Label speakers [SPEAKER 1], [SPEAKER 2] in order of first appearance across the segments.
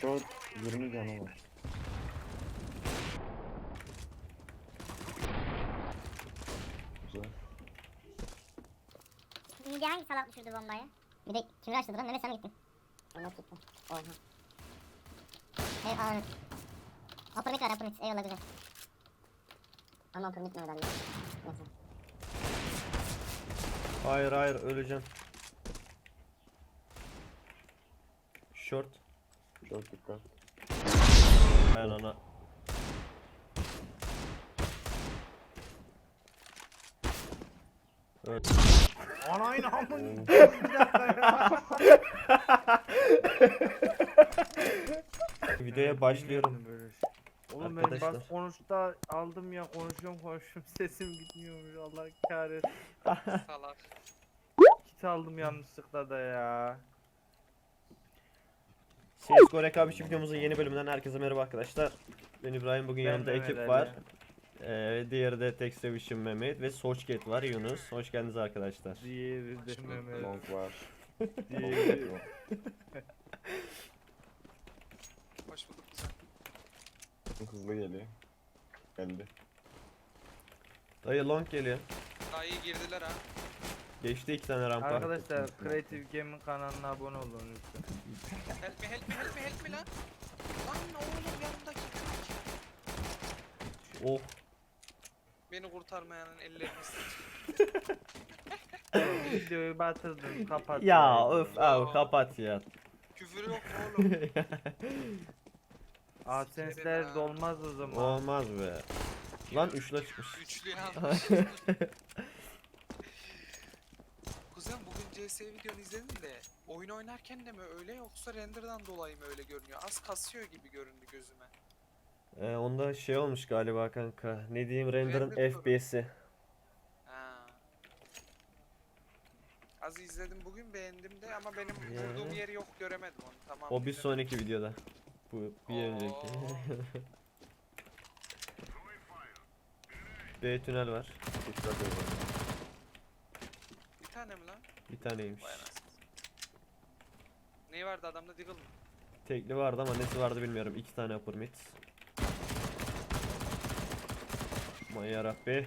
[SPEAKER 1] Short 20 canı var. Güzel.
[SPEAKER 2] Midi hangi salak düşürdü bombayı? Bir de kim açtı lan? Mehmet sen mi gittin? Mehmet gitti. Oha. Hey anam. Upper mid var upper mid. Eyvallah güzel. Ama upper mid Mehmet abi. Neyse.
[SPEAKER 3] Hayır hayır öleceğim. Short.
[SPEAKER 1] Short dikkat.
[SPEAKER 3] Ben ana. Evet.
[SPEAKER 4] Anayın amın.
[SPEAKER 1] Oo.
[SPEAKER 4] Bir dakika ya.
[SPEAKER 3] Videoya başlıyorum.
[SPEAKER 4] Böyle şey. Oğlum ben
[SPEAKER 3] Arkadaşlar.
[SPEAKER 4] bas konuşta aldım ya konuşuyorum sesim gitmiyormuş Allah kahretsin.
[SPEAKER 5] Salak.
[SPEAKER 4] Kit aldım yanlışlıkla da ya.
[SPEAKER 3] CSGO rekabetçi videomuzun yeni bölümünden herkese merhaba arkadaşlar. Ben İbrahim, bugün
[SPEAKER 4] Ben
[SPEAKER 3] yanımda
[SPEAKER 4] Mehmet
[SPEAKER 3] ekip
[SPEAKER 4] Ali.
[SPEAKER 3] var. Diğeri de Textavision Mehmet ve Sochket var, Yunus. Hoş geldiniz arkadaşlar.
[SPEAKER 4] Diğeri de Mehmet.
[SPEAKER 1] Long var.
[SPEAKER 4] Diğeri.
[SPEAKER 5] Hoş bulduk güzel.
[SPEAKER 1] Hızlı geliyor. Geldi.
[SPEAKER 3] Dayı long geliyor.
[SPEAKER 5] Daha iyi girdiler ha.
[SPEAKER 3] Geçti 2 tane rampa.
[SPEAKER 4] Arkadaşlar Creative Game'in kanalına abone olun lütfen.
[SPEAKER 5] Help me help me help me help me lan. Lan oğlum yanımdaki kırık.
[SPEAKER 3] Oh.
[SPEAKER 5] Beni kurtarmayanın ellerini
[SPEAKER 4] Videoyu batırdın kapat.
[SPEAKER 3] Ya öf abi kapat ya.
[SPEAKER 5] Küfür yok oğlum.
[SPEAKER 4] AdSense'ler dolmaz o zaman.
[SPEAKER 3] Olmaz be. Lan üçle çıkmış.
[SPEAKER 5] Üçlü yanlış. Kuzen bugün CS videonu izledim de oyun oynarken de mi öyle yoksa render'dan dolayı mı öyle görünüyor? Az kasıyor gibi göründü gözüme.
[SPEAKER 3] Onda şey olmuş galiba kanka. Ne diyeyim, render'ın
[SPEAKER 5] Render
[SPEAKER 3] FPS'i.
[SPEAKER 5] Ha. Az izledim bugün beğendim de ama benim
[SPEAKER 3] Ya.
[SPEAKER 5] vurduğum yeri yok göremedim onu tamam.
[SPEAKER 3] O bir
[SPEAKER 5] izlemedim.
[SPEAKER 3] sonraki videoda. Bu bir önceki.
[SPEAKER 5] Oo.
[SPEAKER 3] B tünel var.
[SPEAKER 1] Dikkat edin.
[SPEAKER 5] Bir tane mi lan?
[SPEAKER 3] Bir taneymiş.
[SPEAKER 5] Vay anasını. Neyi vardı adamda Deagle mı?
[SPEAKER 3] Tekli vardı ama nesi vardı bilmiyorum. 2 tane upper mid. Aman yarabbi.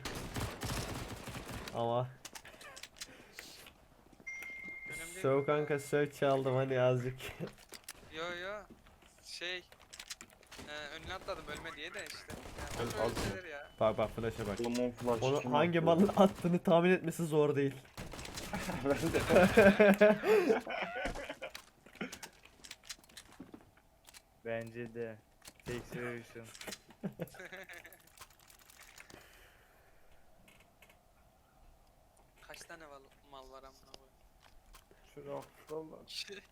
[SPEAKER 3] Ama
[SPEAKER 5] Önemli değil.
[SPEAKER 3] söv kanka söv çaldım hani azıcık.
[SPEAKER 5] Yo yo. Şey. Önüne atladım ölme diye de işte.
[SPEAKER 1] Ben
[SPEAKER 5] Yani, böyle
[SPEAKER 1] az-
[SPEAKER 5] şeyler ya.
[SPEAKER 3] Bak bak flash'a bak.
[SPEAKER 1] Oğlum on flash
[SPEAKER 3] Onu
[SPEAKER 1] kim
[SPEAKER 3] hangi
[SPEAKER 1] attı?
[SPEAKER 3] malın attığını tahmin etmesi zor değil.
[SPEAKER 1] Ben de.
[SPEAKER 4] Bence de. Texturation.
[SPEAKER 5] Kaç tane mal var amına koyayım.
[SPEAKER 4] Şurada lan.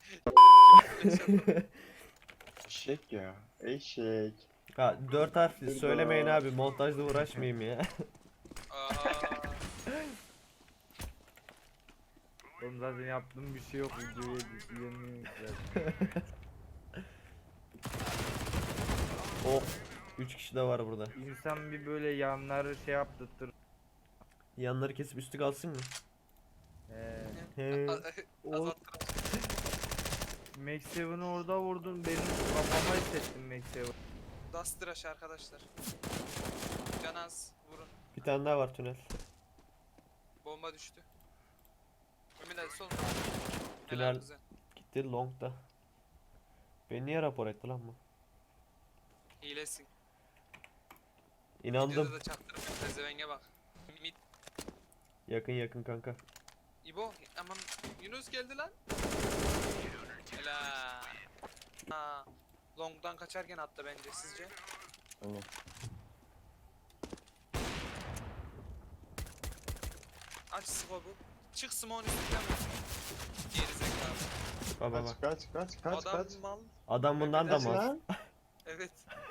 [SPEAKER 1] Eşek ya. Eşek.
[SPEAKER 3] Ha 4 harfli
[SPEAKER 1] Burada.
[SPEAKER 3] söylemeyin abi, montajda uğraşmayayım ya.
[SPEAKER 5] Aa,
[SPEAKER 4] Oğlum zaten yaptığım bir şey yok videoyu editleyemiyorum zaten.
[SPEAKER 3] Oh 3 kişi de var burada.
[SPEAKER 4] İnsan bir böyle yanları şey yaptırtır.
[SPEAKER 3] Yanları kesip üstü kalsın mı? He.
[SPEAKER 5] azalttım.
[SPEAKER 4] Max 7'ı orada vurdun benim kafama hissettim Max 7.
[SPEAKER 5] Dust Rush arkadaşlar. Canaz vurun.
[SPEAKER 3] Bir tane daha var tünel.
[SPEAKER 5] Bomba düştü. Ömür hadi sol.
[SPEAKER 3] Tünel.
[SPEAKER 5] Helal güzel.
[SPEAKER 3] Gitti longda. Beni niye rapor etti lan bu?
[SPEAKER 5] Hilesin.
[SPEAKER 3] İnandım.
[SPEAKER 5] Videoda da çaktırıp pezevenge bak. Mid.
[SPEAKER 3] Yakın yakın kanka.
[SPEAKER 5] İbo aman Yunus geldi lan. Helal. Ha. Long'dan kaçarken attı bence sizce.
[SPEAKER 1] Aynen.
[SPEAKER 5] Aç scope'u. Çık Simon üstünden vur. Geri zekalı.
[SPEAKER 3] Baba bak.
[SPEAKER 1] Kaç.
[SPEAKER 5] Adam mal.
[SPEAKER 3] Adam bundan da
[SPEAKER 1] Kaç
[SPEAKER 3] mal.
[SPEAKER 1] lan?
[SPEAKER 5] Evet.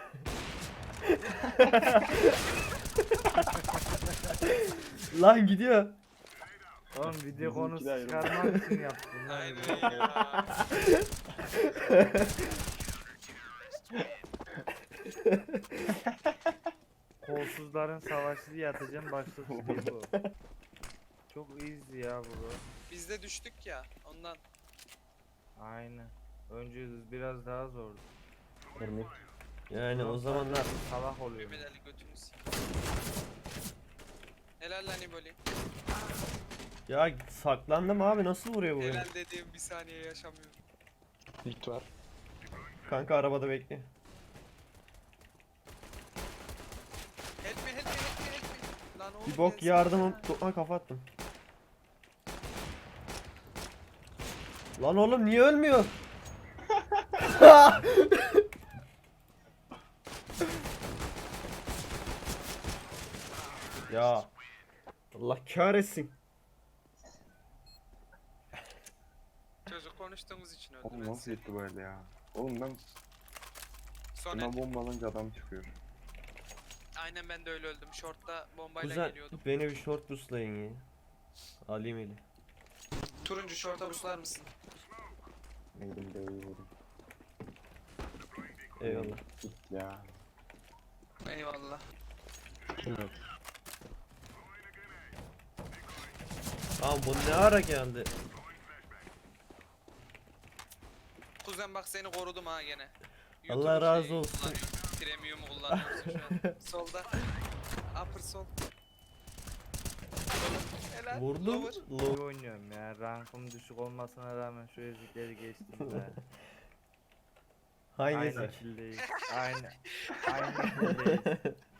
[SPEAKER 3] Lan gidiyor.
[SPEAKER 4] Oğlum video
[SPEAKER 1] Bizimki
[SPEAKER 4] konusu
[SPEAKER 1] de ayrı.
[SPEAKER 4] çıkarmak için yaptım. lan.
[SPEAKER 5] Aynen ya.
[SPEAKER 4] Kolsuzların savaşı diye atacağım başlık çıkıyor bu. Çok easy ya bu.
[SPEAKER 5] Biz de düştük ya ondan.
[SPEAKER 4] Aynen. Önce biraz daha zordu.
[SPEAKER 1] Mid.
[SPEAKER 3] Yani o zamanlar
[SPEAKER 4] salak oluyor.
[SPEAKER 5] Mehmet Ali götünü s**. Helal lan İboli.
[SPEAKER 3] ya saklandım abi, nasıl vuruyor bu beni?
[SPEAKER 5] Helal dediğim bir saniye yaşamıyorum.
[SPEAKER 1] Mid var.
[SPEAKER 3] Kanka arabada bekle.
[SPEAKER 5] Help me help me help me help me. Lan oğlum
[SPEAKER 3] Bir bok
[SPEAKER 5] gelsene
[SPEAKER 3] yardımım.
[SPEAKER 5] ya.
[SPEAKER 3] Ha, kafa attım. Lan oğlum niye ölmüyor? Ya Allah kahretsin.
[SPEAKER 5] Çocuk konuştuğumuz için öldü.
[SPEAKER 1] Oğlum
[SPEAKER 5] ben
[SPEAKER 1] nasıl
[SPEAKER 5] seni.
[SPEAKER 1] gitti böyle ya? Oğlum ben
[SPEAKER 5] Sonra
[SPEAKER 1] buna bomba alınca adam çıkıyor.
[SPEAKER 5] aynen ben de öyle öldüm. Short'ta bombayla
[SPEAKER 3] Kuzen
[SPEAKER 5] geliyordum.
[SPEAKER 3] beni bir short buslayın ya. Alayım eli.
[SPEAKER 5] Turuncu short'a buslar mısın?
[SPEAKER 1] Neydim de vurdum.
[SPEAKER 3] Eyvallah.
[SPEAKER 1] Git ya.
[SPEAKER 5] Eyvallah.
[SPEAKER 1] Evet.
[SPEAKER 3] Tamam bu ne ara geldi?
[SPEAKER 5] Kuzen bak seni korudum ha gene.
[SPEAKER 3] Allah
[SPEAKER 5] YouTube'un
[SPEAKER 3] razı
[SPEAKER 5] şeyi
[SPEAKER 3] olsun.
[SPEAKER 5] kullanıyorum, Premium'u kullanıyorsun şu an. Solda. Upper sol. Helal.
[SPEAKER 3] Vurdum.
[SPEAKER 5] Lower.
[SPEAKER 3] Low.
[SPEAKER 4] İyi oynuyorum ya. Rankım düşük olmasına rağmen şu ezikleri geçtim be.
[SPEAKER 3] Hangisi?
[SPEAKER 4] Aynı kildeyiz. Aynı kildeyiz.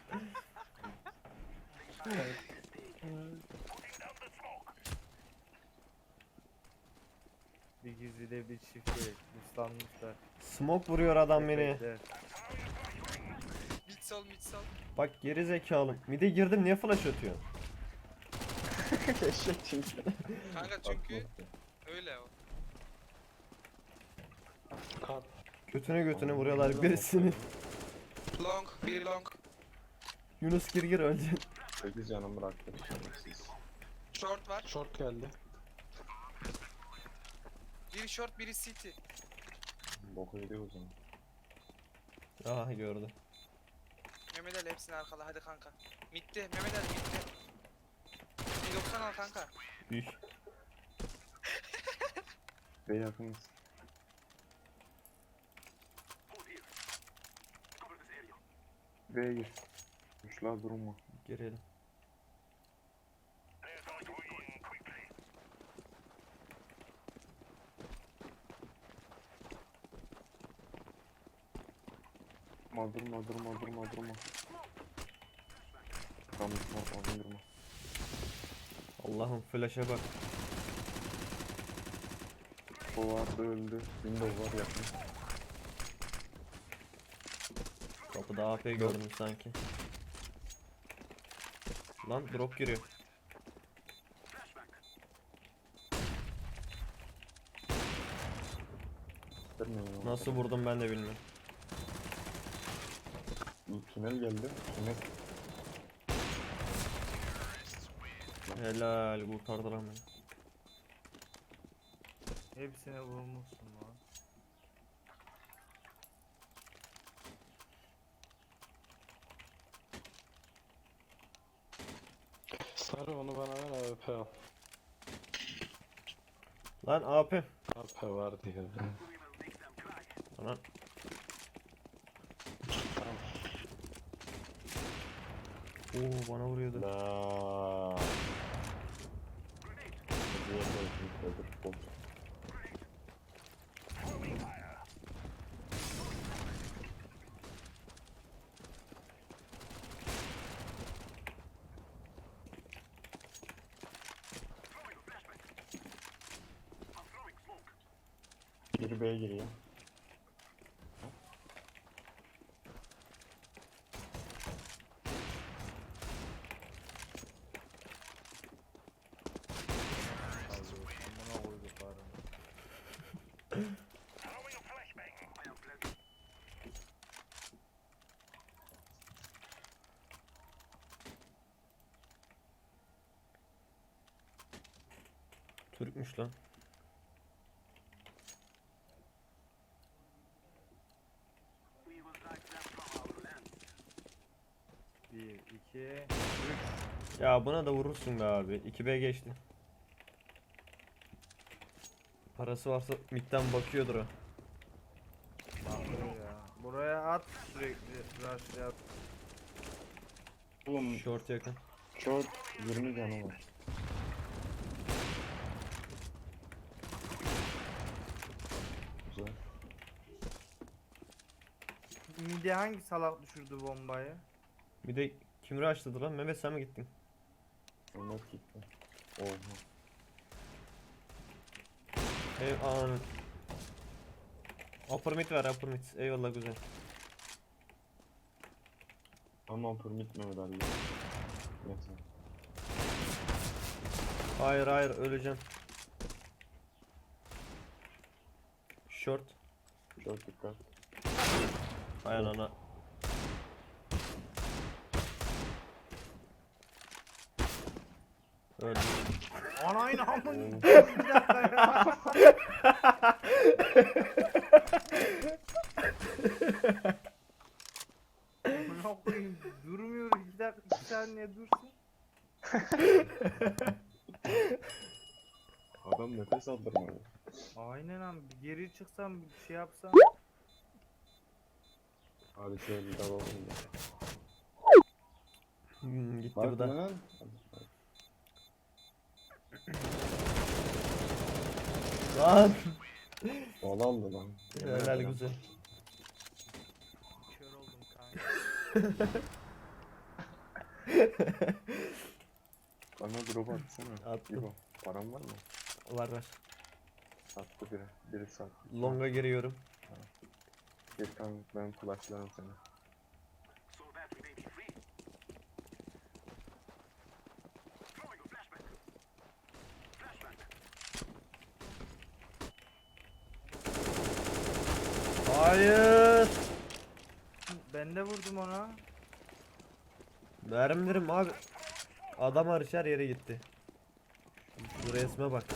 [SPEAKER 4] Bir gizli bir çift gerek. Muslanmışlar.
[SPEAKER 3] Smoke vuruyor adam beni.
[SPEAKER 4] Köpekler.
[SPEAKER 5] Mid sol mid sol.
[SPEAKER 3] Bak geri zekalım. Mide girdim, niye flash atıyor?
[SPEAKER 1] Eşek çünkü.
[SPEAKER 5] Kanka çünkü öyle o.
[SPEAKER 3] Götüne götüne vuruyorlar birisini.
[SPEAKER 5] Long, biri long.
[SPEAKER 3] Yunus gir öleceksin.
[SPEAKER 1] 8 canım bıraktı. Şerefsiz.
[SPEAKER 5] Short var.
[SPEAKER 1] Short geldi.
[SPEAKER 5] Biri short, biri city.
[SPEAKER 1] Boku yedi o zaman.
[SPEAKER 3] Aha gördü.
[SPEAKER 5] Mehmet Ali hepsini arkala hadi kanka. Mid'de Mehmet Ali mid'de. 190 al kanka.
[SPEAKER 3] Üş.
[SPEAKER 1] Ve yakınız. B'ye gir. Güçler durma.
[SPEAKER 3] Girelim.
[SPEAKER 1] Durma. Tamam durma.
[SPEAKER 3] Allah'ım flash'a bak.
[SPEAKER 1] O vardı öldü. Windows var yakın.
[SPEAKER 3] Kapıda AP gördüm sanki. Lan drop giriyor. Nasıl vurdum ben de bilmiyorum.
[SPEAKER 1] Tünel geldi. Tünel.
[SPEAKER 3] Helal, kurtardılar beni.
[SPEAKER 4] Hepsine vurmuşsun lan.
[SPEAKER 6] Sarı onu bana ver AWP al.
[SPEAKER 3] Lan AP.
[SPEAKER 6] AWP var diye.
[SPEAKER 3] Lan. Oo bana vuruyordu.
[SPEAKER 1] La. Diğer de öldür. Bot. Biri B'ye giriyor.
[SPEAKER 4] Amına koyduklarım.
[SPEAKER 3] Türkmüş lan.
[SPEAKER 4] Bir, iki,
[SPEAKER 3] Ya buna da vurursun be abi. 2B geçti. Parası varsa midden bakıyordur o.
[SPEAKER 4] bakıyor ya. Buraya at sürekli rush yap.
[SPEAKER 1] Oğlum
[SPEAKER 3] Short yakın.
[SPEAKER 1] short 20 canı var. Güzel.
[SPEAKER 4] Mide hangi salak düşürdü bombayı?
[SPEAKER 3] Bir de kim rushladı lan? Mehmet sen mi gittin?
[SPEAKER 1] Onlar gitti. Oha.
[SPEAKER 3] Ananı. Upper mid var, upper mid. Eyvallah güzel.
[SPEAKER 1] Ama permit Mehmet Ali. Neyse.
[SPEAKER 3] Hayır hayır öleceğim. Short.
[SPEAKER 1] Short dikkat.
[SPEAKER 3] Hay anana. Öldüm.
[SPEAKER 4] Anayın amın.
[SPEAKER 1] Oo.
[SPEAKER 4] Bir dakika ya. Amına koyayım durmuyor 2 dakika 2 saniye dursun.
[SPEAKER 1] Adam nefes aldırmadı.
[SPEAKER 4] Aynen abi bir geri çıksam bir şey yapsam.
[SPEAKER 1] Hadi şöyle bir dalalım da.
[SPEAKER 3] Gitti
[SPEAKER 1] Bak
[SPEAKER 3] bu da.
[SPEAKER 1] lan.
[SPEAKER 3] Lan.
[SPEAKER 1] Bal aldı lan.
[SPEAKER 3] Helal güzel.
[SPEAKER 4] Kör oldum kanka.
[SPEAKER 1] Bana drop atsana.
[SPEAKER 3] Attım.
[SPEAKER 1] İbo, param var mı?
[SPEAKER 3] Var var.
[SPEAKER 1] Sattı biri. Biri sattı.
[SPEAKER 3] Longa giriyorum.
[SPEAKER 1] Bir tane ben flashlarım seni.
[SPEAKER 3] Hayır.
[SPEAKER 4] Ben de vurdum ona.
[SPEAKER 3] Mermilerim abi. Adam hariç her yere gitti. Şu resme bak.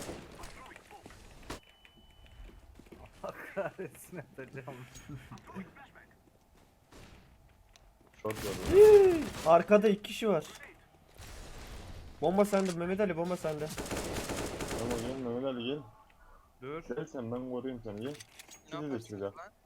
[SPEAKER 4] Kahretsin atacağım.
[SPEAKER 1] Short var.
[SPEAKER 3] Arkada 2 kişi var. Bomba sende Mehmet Ali, bomba sende.
[SPEAKER 1] Ama gel Mehmet Ali gel.
[SPEAKER 4] Dur.
[SPEAKER 1] Gel sen ben koruyayım seni gel.
[SPEAKER 5] Ne
[SPEAKER 1] Sizi de
[SPEAKER 5] yaparsın
[SPEAKER 1] çıkacak.
[SPEAKER 5] lan?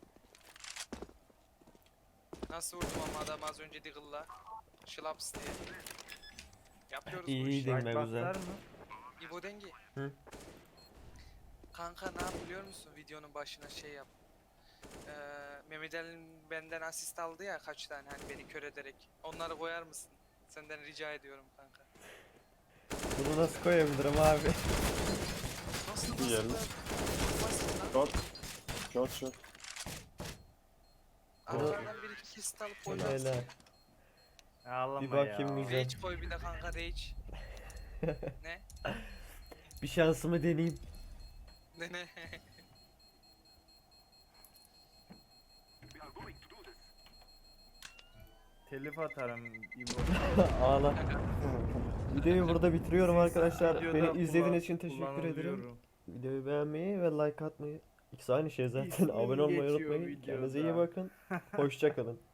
[SPEAKER 5] Nasıl vurdum ama adam az önce Diggle'la. Şılaps diye. Yapıyoruz bu
[SPEAKER 3] İyi
[SPEAKER 5] işi.
[SPEAKER 3] değil.
[SPEAKER 4] Like
[SPEAKER 3] Ne güzel.
[SPEAKER 4] basar mı?
[SPEAKER 5] İbo Dengi.
[SPEAKER 3] Hı?
[SPEAKER 5] Kanka ne yap biliyor musun? Videonun başına şey yap. Mehmet Ali'nin benden asist aldı ya kaç tane hani beni kör ederek. Onları koyar mısın? Senden rica ediyorum kanka.
[SPEAKER 3] Bunu nasıl koyabilirim abi?
[SPEAKER 5] Nasıl
[SPEAKER 1] Bir yerli.
[SPEAKER 5] Basit lan.
[SPEAKER 1] Short. Short short.
[SPEAKER 5] Arkadan bir iki kist alıp koyarsın.
[SPEAKER 3] Helal.
[SPEAKER 4] Ağlama
[SPEAKER 3] Bir bakayım
[SPEAKER 4] ya.
[SPEAKER 3] güzel.
[SPEAKER 5] Rage koy bir de kanka Rage. Ne?
[SPEAKER 3] Bir şansımı deneyeyim.
[SPEAKER 5] Ne?
[SPEAKER 4] Telif atarım İbo.
[SPEAKER 3] Ağla. Videoyu burada bitiriyorum arkadaşlar.
[SPEAKER 4] Videoda
[SPEAKER 3] Beni izlediğiniz için teşekkür ederim.
[SPEAKER 4] kullanılıyorum.
[SPEAKER 3] Videoyu beğenmeyi ve like atmayı. İkisi aynı şey zaten.
[SPEAKER 4] İsmim
[SPEAKER 3] Abone olmayı
[SPEAKER 4] geçiyor
[SPEAKER 3] unutmayın.
[SPEAKER 4] videoda.
[SPEAKER 3] Kendinize iyi bakın. Hoşça kalın.